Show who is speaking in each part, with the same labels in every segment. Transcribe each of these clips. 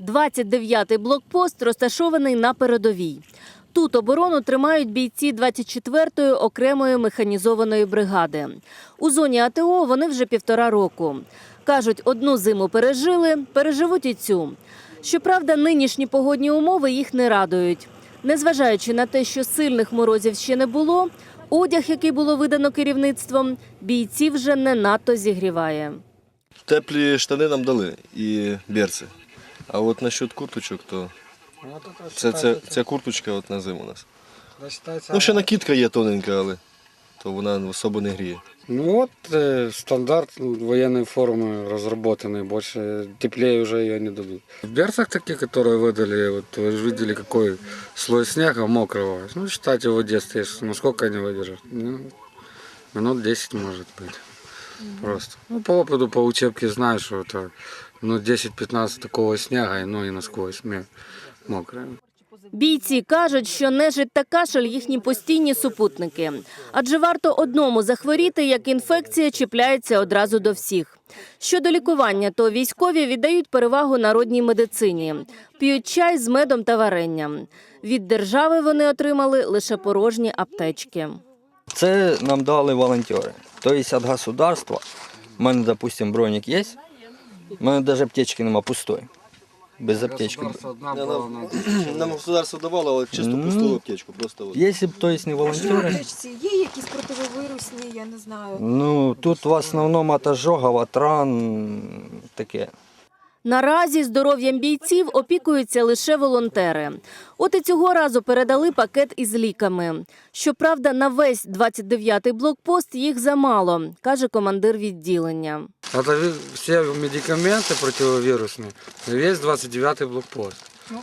Speaker 1: 29-й блокпост розташований на передовій. Тут оборону тримають бійці 24-ї окремої механізованої бригади. У зоні АТО вони вже 1,5 року. Кажуть, одну зиму пережили, переживуть і цю. Щоправда, нинішні погодні умови їх не радують. Незважаючи на те, що сильних морозів ще не було, одяг, який було видано керівництвом, бійців вже не надто зігріває.
Speaker 2: Теплі штани нам дали і берці. А от насчет курточок, то ця курточка от на зиму у нас. Ну, ще накидка є тоненька, але то вона особо не гріє.
Speaker 3: Ну вот стандарт военной формы разработанный, больше теплее уже ее не дадут. В берцах такие, которые выдали, вот вы же видели, какой слой снега мокрого. Ну, считайте, в воде стоишь, ну сколько они выдержат? Ну, минут 10 может быть. Просто. Ну, по опыту, по учебке знаю, что это ну, 10-15 такого снега, и ноги насквозь мокрые.
Speaker 1: Бійці кажуть, що нежить та кашель – їхні постійні супутники. Адже варто одному захворіти, як інфекція чіпляється одразу до всіх. Щодо лікування, то військові віддають перевагу народній медицині. П'ють чай з медом та варенням. Від держави вони отримали лише порожні аптечки.
Speaker 4: Це нам дали волонтери. Тобто від государства, у мене, допустим, бронік є, у мене навіть аптечки нема, пустой. Без аптечки.
Speaker 2: Нам государство давало, але чисто пусту аптечку. Просто от.
Speaker 4: Якщо б, тобто, не волонтери,
Speaker 5: Є якісь противовірусні, я не знаю.
Speaker 4: ну, тут в основному от ожогів, от ран, таке.
Speaker 1: Наразі здоров'ям бійців опікуються лише волонтери. От і цього разу передали пакет із ліками. Щоправда, на весь 29-й блокпост їх замало, каже командир відділення.
Speaker 3: Это все медикаменты противовирусные, весь 29-й блокпост.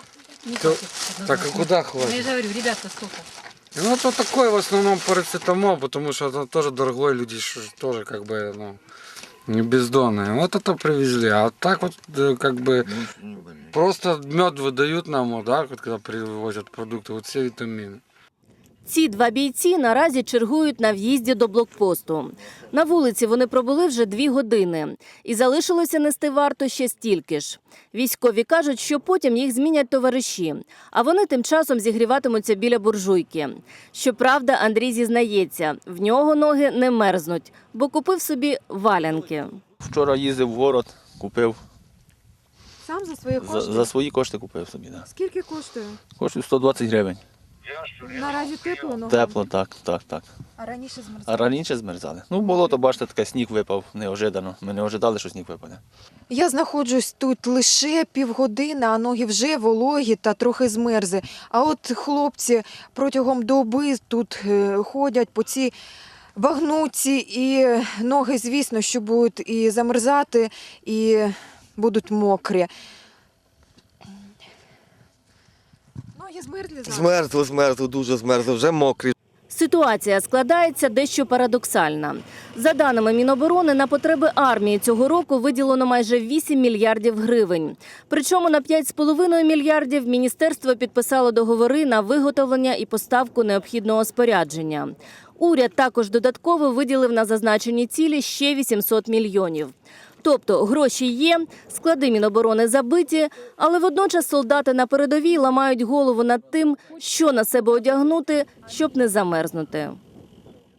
Speaker 3: Так а куда хватит?
Speaker 5: Я же говорю, ребята, сколько?
Speaker 3: Ну, то такой в основном парацетамол, потому что это тоже дорогой, люди тоже как бы, ну, не бездонные. Вот это привезли, а так вот как бы просто мед выдают нам, вот, да, вот, когда привозят продукты, вот все витамины.
Speaker 1: Ці два бійці наразі чергують на в'їзді до блокпосту. На вулиці вони пробули вже 2 години. І залишилося нести варту ще стільки ж. Військові кажуть, що потім їх змінять товариші, а вони тим часом зігріватимуться біля буржуйки. Щоправда, Андрій зізнається, в нього ноги не мерзнуть, бо купив собі валянки.
Speaker 6: Вчора їздив в город, купив.
Speaker 5: Сам за свої кошти?
Speaker 6: За свої кошти купив собі, так. Да.
Speaker 5: Скільки коштує?
Speaker 6: Коштує 120 гривень.
Speaker 5: Наразі тепло ногам?
Speaker 6: Тепло, так.
Speaker 5: А раніше змерзало?
Speaker 6: А раніше змерзали. Ну, болото, бачите, таке сніг випав неожиданно. Ми не ожидали, що сніг випаде.
Speaker 5: Я знаходжусь тут лише півгодини, а ноги вже вологі та трохи змерзли. А от хлопці протягом доби тут ходять по цій багнуці, і ноги, звісно, що будуть і замерзати, і будуть мокрі. Ноги змерзли зараз?
Speaker 2: Змерзло, дуже змерзло, вже мокрі.
Speaker 1: Ситуація складається дещо парадоксальна. За даними Міноборони, на потреби армії цього року виділено майже 8 мільярдів гривень. Причому на 5,5 мільярдів міністерство підписало договори на виготовлення і поставку необхідного спорядження. Уряд також додатково виділив на зазначені цілі ще 800 мільйонів. Тобто гроші є, склади Міноборони забиті, але водночас солдати на передовій ламають голову над тим, що на себе одягнути, щоб не замерзнути.